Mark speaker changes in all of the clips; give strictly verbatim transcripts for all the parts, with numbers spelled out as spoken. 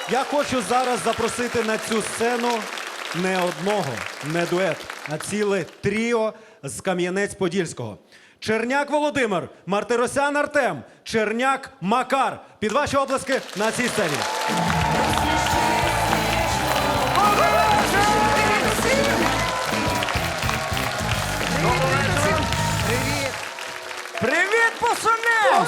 Speaker 1: Я хочу зараз запросити на цю сцену не одного, не дует, а ціле тріо з Кам'янець-Подільського. Черняк Володимир, Мартиросян Артем, Черняк Макар. Під ваші оплески на цій сцені.
Speaker 2: Привіт, пацани!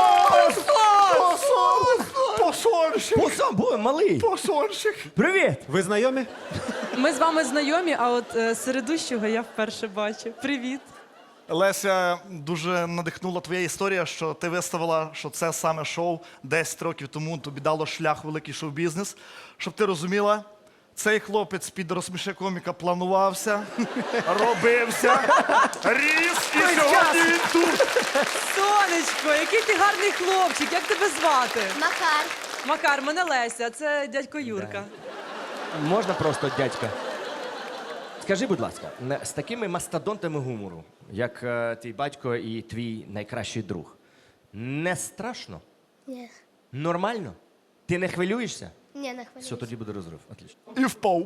Speaker 3: Посольщик!
Speaker 2: Посам, бо малий.
Speaker 3: Посольщик!
Speaker 2: Привіт!
Speaker 1: Ви знайомі?
Speaker 4: Ми з вами знайомі, а от е, середущого я вперше бачу. Привіт.
Speaker 3: Леся, дуже надихнула твоя історія, що ти виставила, що це саме шоу десять років тому тобі дало шлях в великий шоу-бізнес. Щоб ти розуміла, цей хлопець під розсміше коміка планувався, робився, ріс і сьогодні він тут.
Speaker 4: Сонечко, який ти гарний хлопчик, як тебе звати?
Speaker 5: Макар.
Speaker 4: Макар, мене Леся, це дядько Юрка.
Speaker 2: Можна просто, дядька? Скажи, будь ласка, не- з такими мастодонтами гумору, як е, твій батько і твій найкращий друг, не страшно?
Speaker 5: Ні.
Speaker 2: Нормально? Ти не хвилюєшся?
Speaker 5: Ні, не хвилюйся.
Speaker 2: Все, тоді буде розрив. Отлично.
Speaker 3: І впав.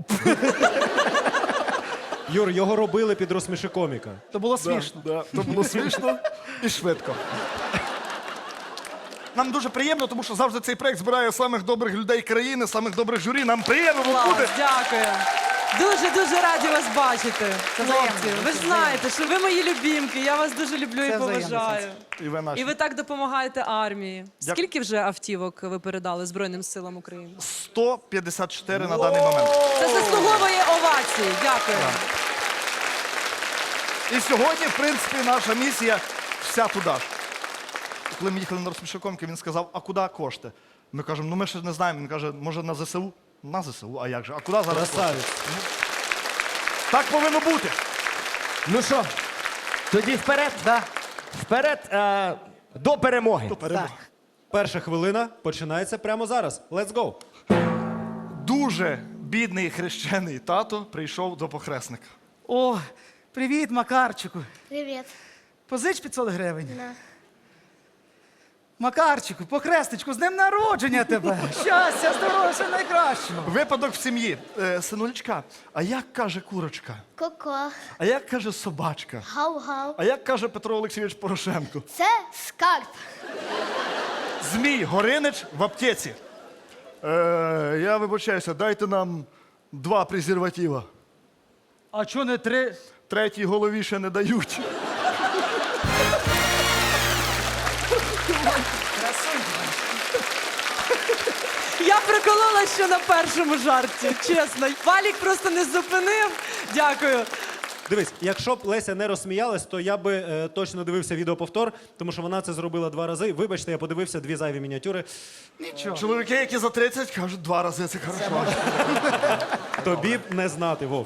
Speaker 1: Юр, його робили під розсміши коміка.
Speaker 3: То було смішно. Да, да. То було смішно і швидко. Нам дуже приємно, тому що завжди цей проект збирає самих добрих людей країни, самих добрих журі. Нам приємно тут
Speaker 4: Клас,
Speaker 3: бути.
Speaker 4: дякую. Дуже-дуже раді вас бачити, хлопці. Ви ж знаєте, що ви мої любімки, я вас дуже люблю і поважаю.
Speaker 3: І ви наші.
Speaker 4: І ви так допомагаєте армії.
Speaker 3: Дякую.
Speaker 4: Скільки вже автівок ви передали Збройним силам України?
Speaker 3: сто п'ятдесят чотири на даний момент.
Speaker 4: Це заслуговує овації. Дякую.
Speaker 3: І сьогодні, в принципі, наша місія вся туди ж. Коли ми їхали на розсмішокомки, він сказав, а куди кошти? Ми кажемо, ну ми ще не знаємо. Він каже, може на ЗСУ? На ЗСУ, а як же? А куди зараз кошти?
Speaker 1: Красавець.
Speaker 3: Так повинно бути.
Speaker 2: Ну що, тоді вперед? Да. Вперед е, до перемоги.
Speaker 1: Перша хвилина починається прямо зараз. Let's go!
Speaker 3: Дуже бідний хрещений тато прийшов до похресника.
Speaker 6: О, привіт, Макарчику.
Speaker 5: Привіт.
Speaker 6: Позич п'ятсот гривень.
Speaker 5: На.
Speaker 6: Макарчику, похресничку, з днем народження тебе! Щастя, здоров'я, все найкращого!
Speaker 3: Випадок в сім'ї. Е, синулечка, а як каже курочка?
Speaker 5: Коко.
Speaker 3: А як каже собачка?
Speaker 5: Гав-гав.
Speaker 3: А як каже Петро Олексійович Порошенко?
Speaker 5: Це скарб.
Speaker 3: Змій Горинич в аптеці. Е, я вибачаюся, дайте нам два презерватива.
Speaker 6: А чого не три?
Speaker 3: Третій голові ще не дають.
Speaker 4: Я приколола, що на першому жарті, чесно. Валік просто не зупинив. Дякую.
Speaker 1: Дивись, якщо б Леся не розсміялась, то я би е, точно дивився відеоповтор, тому що вона це зробила два рази. Вибачте, я подивився дві зайві мініатюри.
Speaker 3: Чоловіки, які за тридцять, кажуть, два рази це хорошо.
Speaker 1: Тобі б не знати, Вов.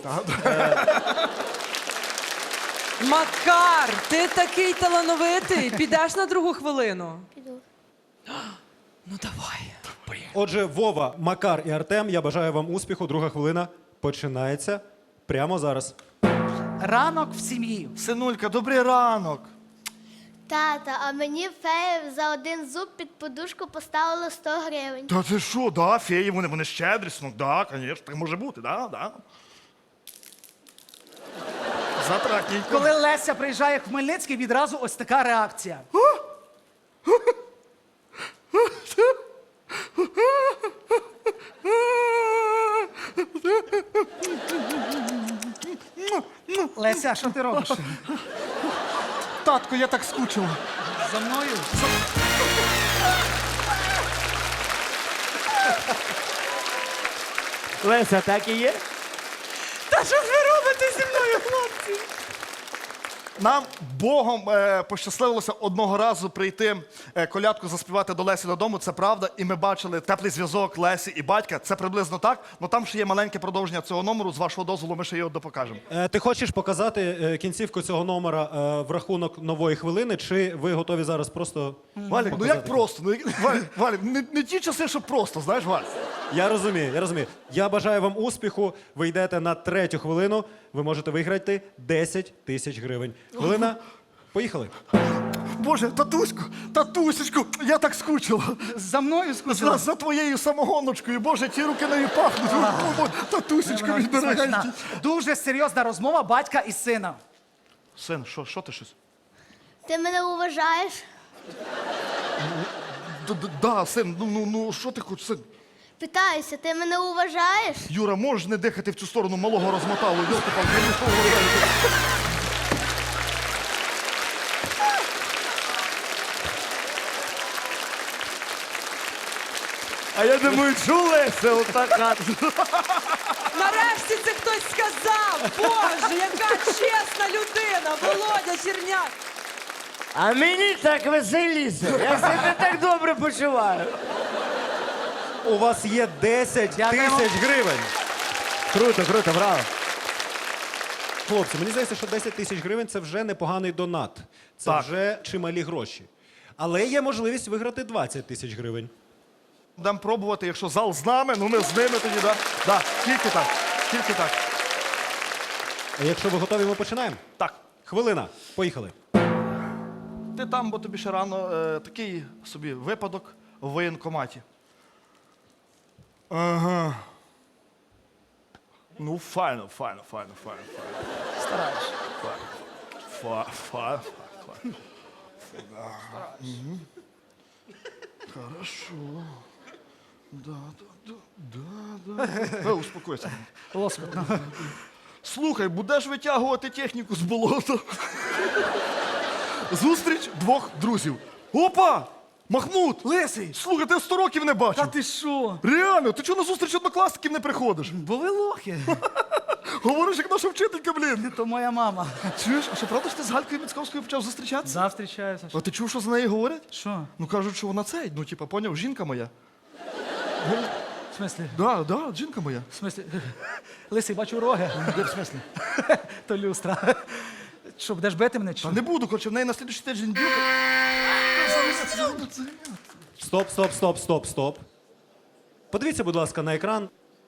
Speaker 4: Макар, ти такий талановитий. Підеш на другу хвилину?
Speaker 5: Піду.
Speaker 4: Ну давай.
Speaker 1: Отже, Вова, Макар і Артем, я бажаю вам успіху. Друга хвилина починається прямо зараз.
Speaker 6: Ранок в сім'ї.
Speaker 3: Синулька, добрий ранок.
Speaker 5: Тата, а мені фея за один зуб під подушку поставила сто гривень.
Speaker 3: Та ти що, да, феї, вони, вони щедрі, ну, да, звісно, так може бути, да, да. Затракненько.
Speaker 6: Коли Леся приїжджає в Хмельницький, відразу ось така реакція. Леся, що ти робиш?
Speaker 3: Татко, я так скучила.
Speaker 6: За мною?
Speaker 2: Леся, так і є?
Speaker 4: Та що ж ви робите зі мною, хлопці?
Speaker 3: Нам Богом е, пощасливилося одного разу прийти е, колядку заспівати до Лесі додому, це правда, і ми бачили теплий зв'язок Лесі і батька, це приблизно так, але там ще є маленьке продовження цього номеру, з вашого дозволу ми ще його допокажемо.
Speaker 1: Е, ти хочеш показати е, кінцівку цього номера е, в рахунок нової хвилини, чи ви готові зараз просто
Speaker 3: Валік, ну як просто? Ну, як- Валік, Валік, не, не ті часи, що просто, знаєш, Валь?
Speaker 1: Я розумію, я розумію. Я бажаю вам успіху. Ви йдете на третю хвилину. Ви можете виграти десять тисяч гривень. Хвилина Поїхали.
Speaker 3: Боже, татуську, татусечку, я так скучила.
Speaker 6: За мною скучила.
Speaker 3: За, за твоєю самогоночкою, Боже, ті руки нею пахнуть. О, Боже, татусечка,
Speaker 6: Вона
Speaker 3: мій дорогенький.
Speaker 6: смачна. Дуже серйозна розмова батька і сина.
Speaker 3: Син, що, що ти щось?
Speaker 5: Ти мене уважаєш?
Speaker 3: Д- д- Да, син, ну, ну, ну, що ти хочеш, син?
Speaker 5: Питаюся, ти мене уважаєш?
Speaker 3: Юра, можеш не дихати в цю сторону, малого розмотало. Йолки-палки, я не того говорю.
Speaker 2: А я думаю, чулися отака.
Speaker 4: Нарешті це хтось сказав! Боже, яка чесна людина! Володя Черняк!
Speaker 2: А мені так веселіше. Я себе так добре почуваю.
Speaker 1: У вас є десять
Speaker 6: Дякуємо.
Speaker 1: тисяч гривень.
Speaker 2: Круто, круто, браво.
Speaker 1: Хлопці, мені здається, що десять тисяч гривень це вже непоганий донат. Це
Speaker 3: Так.
Speaker 1: вже чималі гроші. Але є можливість виграти двадцять тисяч гривень.
Speaker 3: Будемо пробувати, якщо зал з нами, ну ми з ними тоді, да? Да, тільки так, тільки так.
Speaker 1: А якщо ви готові, ми починаємо.
Speaker 3: Так,
Speaker 1: Хвилина. Поїхали.
Speaker 3: ти там, бо тобі ще рано, е, такий собі випадок в воєнкоматі. Ага. Ну, файно, файно, файно, файно, файно.
Speaker 6: Стараєш.
Speaker 3: Фа, фа, фа, фа. Мгм. Хорошо. Да, да, да, да, да. Е, успокойся.
Speaker 6: Лоскотно.
Speaker 3: Слухай, будеш витягувати техніку з болота. Зустріч двох друзів. Опа! Махмуд!
Speaker 6: Лисий!
Speaker 3: Слухай, ти сто років не бачив.
Speaker 6: Та ти що?
Speaker 3: Реально, ти чого на зустріч однокласників не приходиш?
Speaker 6: Бо ви лохи.
Speaker 3: Говориш, як наша вчителька, блін.
Speaker 6: То моя мама.
Speaker 3: Чуєш, а що правда ж ти з Галькою Міцковською почав зустрічатися?
Speaker 6: Завстрічаюся.
Speaker 3: А ти чув, що за неї говорять?
Speaker 6: Що?
Speaker 3: Ну кажуть, що вона цей, ну типа, поняв, жінка моя.
Speaker 6: В смислі?
Speaker 3: Да, да, жінка моя.
Speaker 6: В смислі? Лисий, бачу роги. Де в смислі? То люстра. Що, будеш бити мене чи? що?
Speaker 3: Та не буду, коротше, в неї на слідчий тиждень дюка.
Speaker 1: Стоп, стоп, стоп, стоп, стоп. Подивіться, будь ласка, на екран.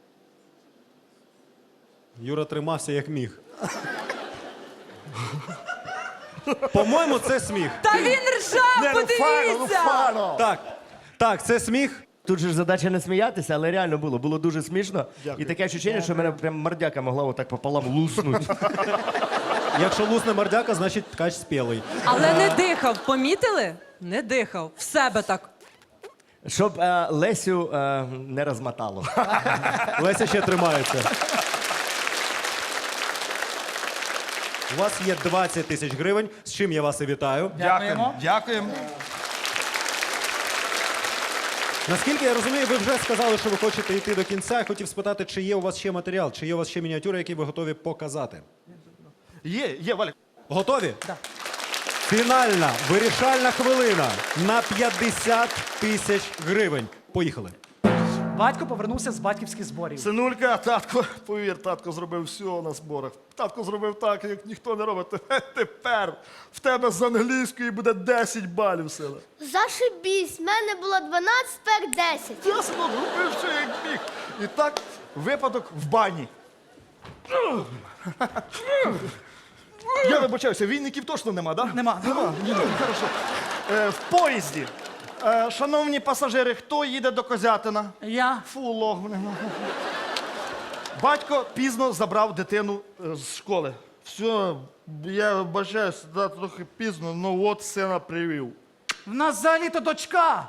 Speaker 1: Юра тримався як міг. По-моєму, це сміх.
Speaker 4: Та він ржав, подивіться!
Speaker 1: Так, так, це сміх.
Speaker 2: Тут же ж задача не сміятися, але реально було. Було дуже смішно.
Speaker 3: Дякую.
Speaker 2: І таке відчуття, що мене прям мордяка могла отак пополам луснути.
Speaker 1: Якщо лусне мордяка, значить ткач спілий.
Speaker 4: Але не дихав, помітили? Не дихав. В себе так.
Speaker 2: Щоб е, Лесю е, не розмотало.
Speaker 1: Леся ще тримається. У вас є двадцять тисяч гривень, з чим я вас і вітаю.
Speaker 6: Дякуємо.
Speaker 3: Дякуємо.
Speaker 1: Наскільки я розумію, ви вже сказали, що ви хочете йти до кінця. Я хотів спитати, чи є у вас ще матеріал, чи є у вас ще мініатюри, які ви готові показати.
Speaker 3: Є, є, Валік.
Speaker 1: Готові? Так. Фінальна вирішальна хвилина на п'ятдесят тисяч гривень. Поїхали.
Speaker 6: Батько повернувся з батьківських зборів.
Speaker 3: Синулька, татко, повір, татко зробив все на зборах. Татко зробив так, як ніхто не робить. Тепер в тебе з англійської буде десять балів, сила.
Speaker 5: Зашибісь, в мене було дванадцять, тепер десять.
Speaker 3: Ясно, робив все як міг. І так, випадок в бані. Я вибачаюся, війників точно нема, так? Да?
Speaker 6: Нема.
Speaker 3: Нема. Ні, ну, хорошо. Е, в поїзді. Е, шановні пасажири, хто їде до Козятина?
Speaker 6: Я.
Speaker 3: Фу, лох. блін. Батько пізно забрав дитину е, з школи. Все, я вибачаюся, да, трохи пізно, ну от сина привів.
Speaker 6: В нас взагалі-то дочка.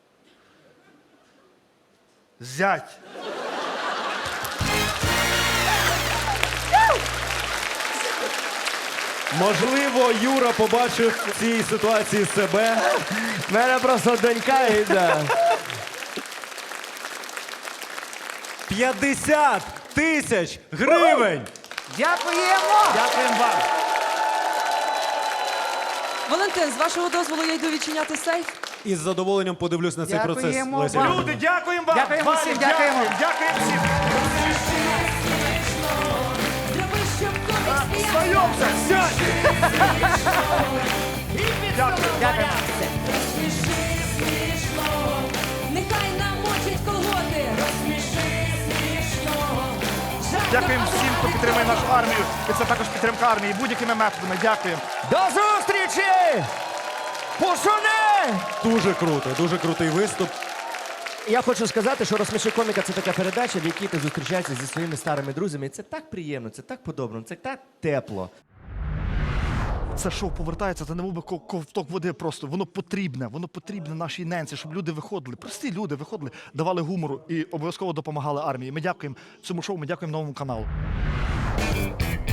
Speaker 3: Зять.
Speaker 1: Можливо, Юра побачив в цій ситуації себе.
Speaker 2: В мене просто донька йде.
Speaker 1: п'ятдесят тисяч гривень!
Speaker 6: Дякуємо. Дякуємо вам.
Speaker 4: Валентин, з вашого дозволу я йду відчиняти сейф.
Speaker 1: І з задоволенням подивлюсь на цей процес.
Speaker 6: Дякуємо
Speaker 1: Леся
Speaker 6: вам.
Speaker 1: Іванівна.
Speaker 3: Люди, дякуємо вам!
Speaker 6: Дякуємо
Speaker 3: Валік,
Speaker 6: всім, дякуємо.
Speaker 3: Дякуємо всім!
Speaker 4: Зроби, щоб комік сміявся.
Speaker 3: Знайомся! Сядь! Дякую.
Speaker 6: Дякуємо.
Speaker 4: Розсміши смішно, нехай намочить колготи. Розсміши смішно. Жарт
Speaker 3: Дякуємо
Speaker 4: на
Speaker 3: всім, хто підтримує нашу армію. І це також підтримка армії будь-якими методами. Дякуємо.
Speaker 2: До зустрічі! Двічі! Пошуни!
Speaker 1: Дуже круто, дуже крутий виступ.
Speaker 2: Я хочу сказати, що «Розсміши коміка» — це така передача, в якій ти зустрічаєшся зі своїми старими друзями. І це так приємно, це так по-доброму, це так тепло.
Speaker 3: Це шоу повертається, це не мов би ко- ковток води просто. Воно потрібне, воно потрібне нашій ненці, щоб люди виходили. Прості люди виходили, давали гумору і обов'язково допомагали армії. Ми дякуємо цьому шоу, ми дякуємо новому каналу.